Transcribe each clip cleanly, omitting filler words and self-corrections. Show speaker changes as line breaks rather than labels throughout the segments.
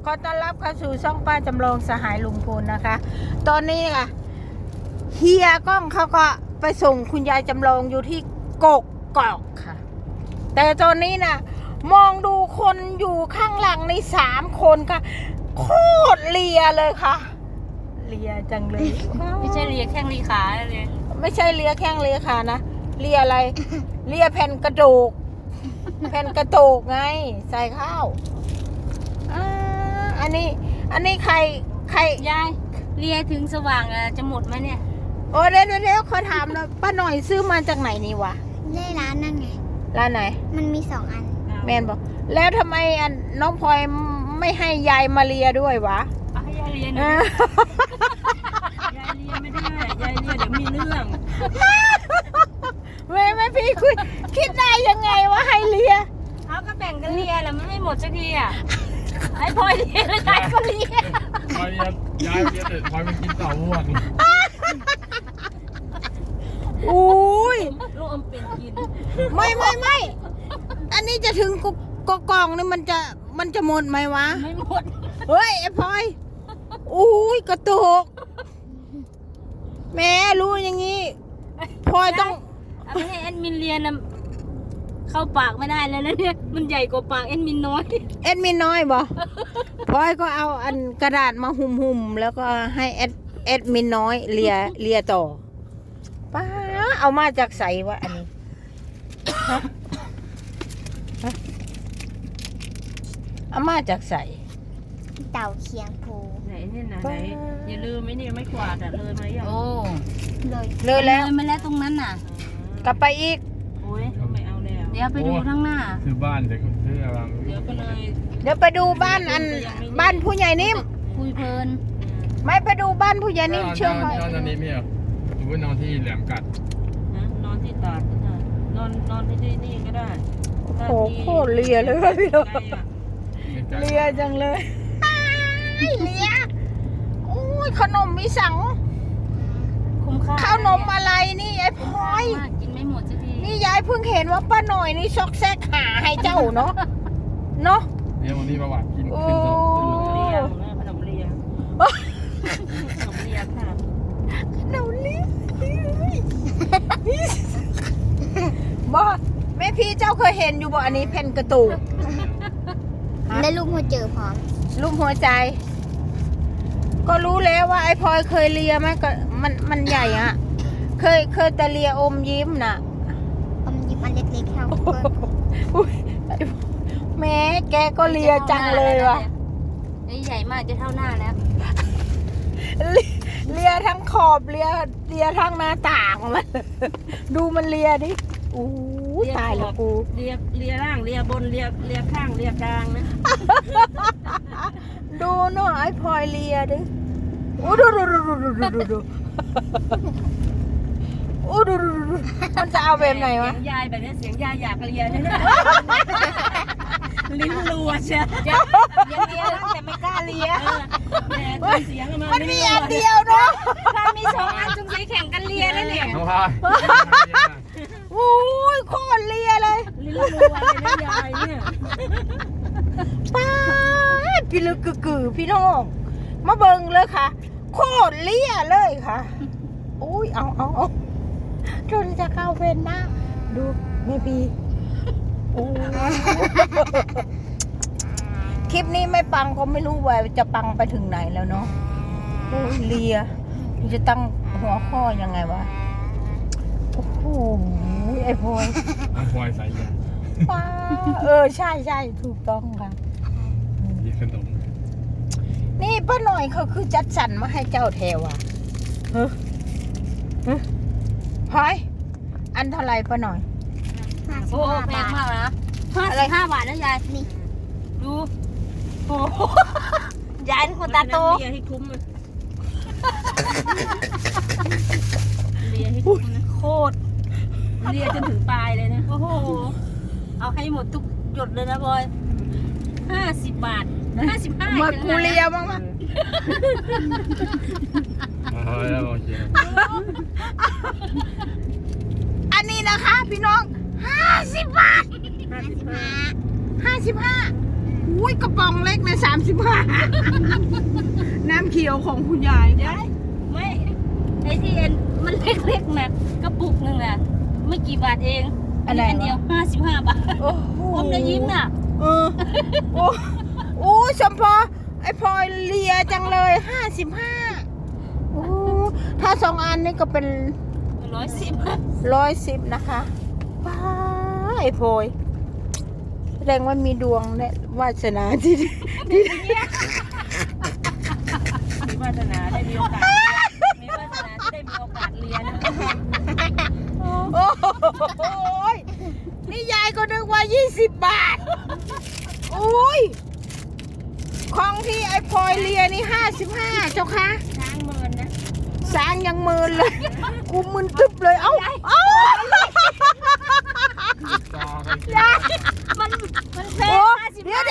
ขอต้อนรับเข้าสู่ช่องป้าจำลองสหายลุงพลนะคะ ตอนนี้ค่ะเฮียก้องเขาก็ไปส่งคุณยายจำลองอยู่ที่กกอกค่ะ แต่ตอนนี้นะมองดูคนอยู่ข้างหลังใน3 คนค่ะโคตรเลียเลยค่ะเลียจังเลย
ไม่ใช่เลียแข้งลีขาเลย
ไม่ใช่เลียแข้งเลียขานะเลียอะไรเลียแผ่นกระดูกแผ่นกระดูกไงใส่ข้าวอันนี้ใคร
ยายเลียถึงสว่างจะหมดไหมเนี่ย
โอ้เดี๋ยวขอถามนะป้าหน่อยซื้อมาจากไหนนี่วะ
ได้ร้านนั่นไง
ร้านไหน
มันมี2 อัน
แมนบอกแล้วทำไมน้องพลอยไม่ให้ยายมาเลียด้วยวะ
ให้ยายเลียหน่อยยายเลียไม่ได้ยายเลียเดี๋ยวมีเรื่อง
ไม่พี่คุยคิดได้ยังไงว่าให้เลีย
เขาก็แบ่งกันเลียแหละมันไม่หมดสักทีอ่ะไอ้พลอยเลียแล้วยายก็เลีย
พลอยยายเลียแต่พลอยมันกินเต่าม่วง
อุ้ย
ลูกอมเป็นกิน
ไม่อันนี้จะถึงกกองนี่มันจะหมดไหมวะ
ไม่หมด
เฮ้ยไอ้พลอยอุ้ยกระตุกแม่รู้อย่างงี้พลอยต้อง
ไม่ให้แอดมินเลียนะเข้าปากไม่ได้เลยนะเนี่ยมันใหญ่กว่าปากแอดมินน้อย
บ่พลอยก็เอาอันกระดาษมาหุ่มแล้วก็ให้แอดมินน้อยเลียต่อป้าเอามาจากใสวะอันนี้เอามาจากใส
เต่าเคียงภู
ไหนเนี่ยนะไหนอย่าลืมไหมเนี่ยไม่กวาดอ่ะเลยไหมโอ้
เลยแล้ว
ไม่แล้วตรงนั้นน่ะ
กลับไปอีก
โอ้ยไม่เอาแล้วเดี๋ยวไปดูข้างหน้า
คือบ้านแต่คืออะไร
เดี๋ยวก็เลย
เดี๋ยวไปดูบ้านบ้านผู้ใหญ่นิ่ม
คุยเพลิน
ไม่ไปดูบ้านผู้ใหญ่นิ่มเชื่อไหม
นอนนี้ไม่เหรอหรือว่านอนที่แหลมกัด
นอนที่ตาดก็ได้นอนที่นี่ก็ได้
โอ้โหเลียเลยพี่น้องเลียจังเลยเลียอุ้ยขนมมีสัง
คุ้มค่า
ขนมอะไรนี่ไอ้พลอย
กินไม่หมดสักที
นี่ยายเพิ่งเห็นว่าป้าหน่อยนี่ซอกแซกหาให้เจ้าเนาะ
เนี่ยวันนี้ประวัติกิน
โอ้
ขนมเลียค่ะ
ขนมเลียบ่แม่พี่เจ้าเคยเห็นอยู่บ่อันนี้แผ่นกระตูก
ได้ลูกหัวเจอพร้อม
รูปหัวใจก็รู้แล้วว่าไอ้พลอยเคยเลียไหมก็มันใหญ่อะเคยแต่เลียอมยิ้มน่ะ
อมยิ้มอันเล็กๆเท่า
แม่แกก็เลียจังเลยว่ะ
ใหญ่มากจะเท่าหน้าแล้ว
เลียทั้งขอบเลียทั้งหน้าต่างมันดูมันเลียดิอู้ตายแล้วกู
เลียล่างเลียบนเลียข้างเลียกลางนะ
ดูหน่อยไอ้พลอยเลียดิอู้ดูอู้ดูมันจะเอาแบบไหนวะ
ยายแบบนี้เสียงยายอยากเลียเนี่ยลิ้นรัวเชียวเลียแต่ไม่กล้าเลียเสียง
มันมีอันเดียวเนาะ
ถ้ามี2 อันจงใจแข่งกันเลียแล้วเนี่ย
โอ้ยโคตรเลียเลย
ลิ้นรัวเลยนะยายเนี่ย
ป้าพี่ลึกกึ่พี่น้องมาเบิ่งเลยค่ะโคตรเลียเลยค่ะอุ้ยเอาจนจะเข้าเป็นหน้าดูแม่พี่โอ้คลิปนี้ไม่ปังก็ไม่รู้ว่าจะปังไปถึงไหนแล้วเนาะเลียจะตั้งหัวข้อยังไงวะโอ้โหไอ้พลอย
ใส่ยา
ใช่ถูกต้องค่ะ
มีขนม
นี่ป้าหน่อยเขาคือจัดสรรมาให้เจ้าแทวอ่ะพลอยอันเท่าไรป้าหน่อย
โอ้แพงมากนะ55 บาทนะยายนี่ดูโอ้ยายเป็นคนตาโตเลียให้คุ้มเลยเลียให้คุ้มนะโคตรเลียจนถึงปลายเลยนะโอ้โหเอาให้หมดทุกหยดเลยนะบอย50 บาท55
มากูเลียมั้งอันนี้นะคะพี่น้อง50 บาท55 อุ้ยกระป๋องเล็กนะ35น้ำเขียวของคุณยาย
ยายไม่ไอ้ที่เอ็นมันเล็กๆนะกระปุกหนึงน่ะไม่กี่บาทเองอันเดียว55 บาท
โอ้โห
ผมจะยิ้มน่ะ
เออโอ้โอ้สมพอไอ้พลอยเลียจังเลย55โอ้ถ้า2 อันนี่ก็เป็น 110นะคะว้าไอ้พลอยแสดงว่ามีดวงและวาสนาที่
มีวาสนาได้มีโอกาสมีวาสนาที่ได้มีโอกาสเรียนนะ
โอ้โหนี่ยายก็นึกว่า20 บาทโอ้ยของที่ไอ้พลอยเลียนี่55เจ้าคะ
ช้างเมินนะ
สางยังมืนเลยกูมึนตึบเลยเอ้า
จอกันกิน
มันแพ
โอ้
ง
เดี๋ยว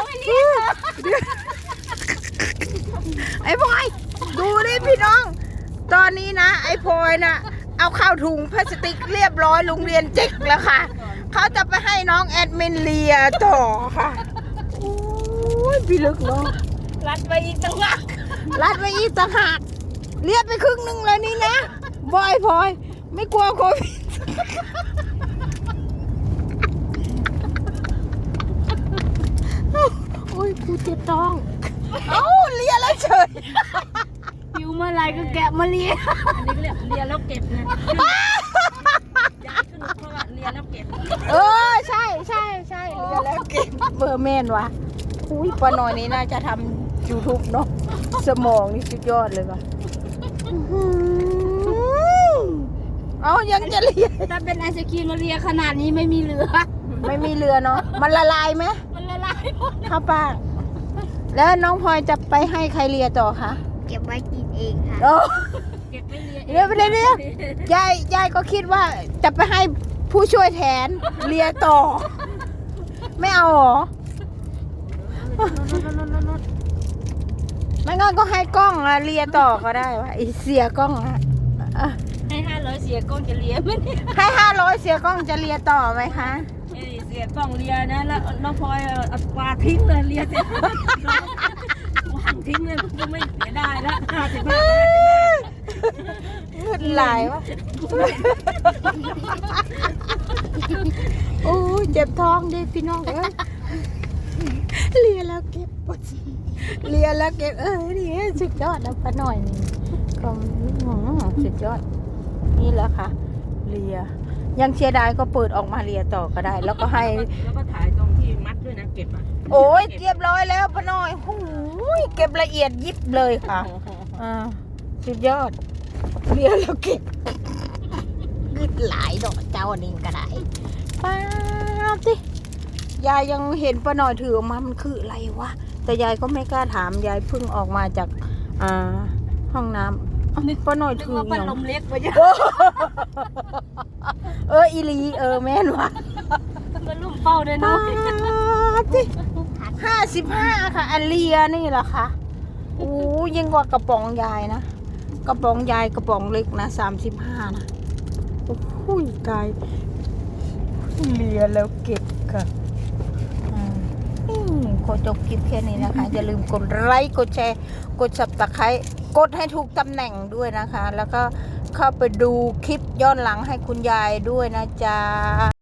ไอ้พลอยดูดิพี่น้อง ตอนนี้นะไอ้พลอยน่ะเอาเข้าถุงพลาสติกเรียบร้อยโรงเรียนจิกแล้วค่ะเขาจะไปให้น้องแอดมินเลียต่อค่ะโอ้ยพี่ลึกเนาะ
รัดไปอีกตั้งหาก
รัดไว้อีกต่างหากเรียบไปครึ่งหนึงเลยนี่นะบอยพลอยไม่กลัวโควิดโอ้ยกูเจ็บท้องเอ้าเลียแล้วเฉย
หิวเมื่อไรก็แกะมาเรียนอันนี้เรียกเรียนแล้วเก็บนะย้ายขึ้นเพราะว่าเรียนแล้วเก็บ
เออใช่เลียแล้วเก็บเบอร์แมนวะอุ้ยป้าหน่อยนี้น่าจะทำ YouTube เนาะสมองนี่สุดยอดเลยว่ะอื้อหือเอายังจะเลีย
ถ้าเป็นไอศครีมมาเรียขนาดนี้ไม่มีเหลือ
ไม่มีเรือเนาะมันละลายไหม
มันละลายหมด
ข้าวป้าแล้วน้องพลอยจะไปให้ใครเลียต่อคะ
เก็บไว้กินเองค่ะ
โอ้
เก็บไม่เรียน
เดี๋ยวยายก็คิดว่าจะไปให้ผู้ช่วยแทนเลียต่อ ไม่เอาหรอไม่งั้นก็ให้กล้องอะเลียต่อก็ได้วะไอเสียกล้องอะอ่ะ
ให้500เสียกล้องจะเรียนไหมเนี่ย
ให้500เสียกล้องจะเลียต่อไหมคะ
เสียกล้องเรียนนะแล้วน้องพลอยเอาปลาทิ้งเลยเรียนเสร็จวางทิ้งเลยก็ไม่เสียได้แล้ว55
เงินไหลายวะโอ้ยเจ็บท้องดิพี่น้องเอ้ยเลียแล้วเก็บปวดเลียแล้วเก็บนี่สุดยอดแล้วป้าหน่อยนี่ก็สุดยอดนี่แหละค่ะเลียยังเชียร์ได้ก็เปิดออกมาเลียต่อก็ได้ แล้วก็ให้
แล้วก็ถ่ายตรงที่มัดด้วยนะเก็บอ่ะ
โอ้ยเรียบร้อยแล้วป้าหน่อยหูยเก็บละเอียดยิบเลยค่ะสุดยอดเลียแล้วเก็บกึดหลายดอกเจ้านี่ก็ได้ป้าสิยายยังเห็นป้าหน่อยถือออกมามันคืออะไรวะแต่ยายก็ไม่กล้าถามยายเพิ่งออกมาจากห้องน้ำป้าหน่อยถือ
ว่า
อ
พัด
ย่าง
ลมเล็กไปเยอะ
อีลีแม่นวะ
มันลุ่มเป้าเลยเนาะ
สิ55ค่ะอันเลียนี่แหละค่ะโอ้ยิ่งกว่ากระป๋องยายนะกระป๋องยายกระป๋องเล็กนะ35นะโอ้โหกายเลียแล้วเก็บค่ะขอจบคลิปแค่นี้นะคะ อย่าลืมกดไลค์กดแชร์กด Subscribe กดให้ถูกตำแหน่งด้วยนะคะ แล้วก็เข้าไปดูคลิปย้อนหลังให้คุณยายด้วยนะจ๊ะ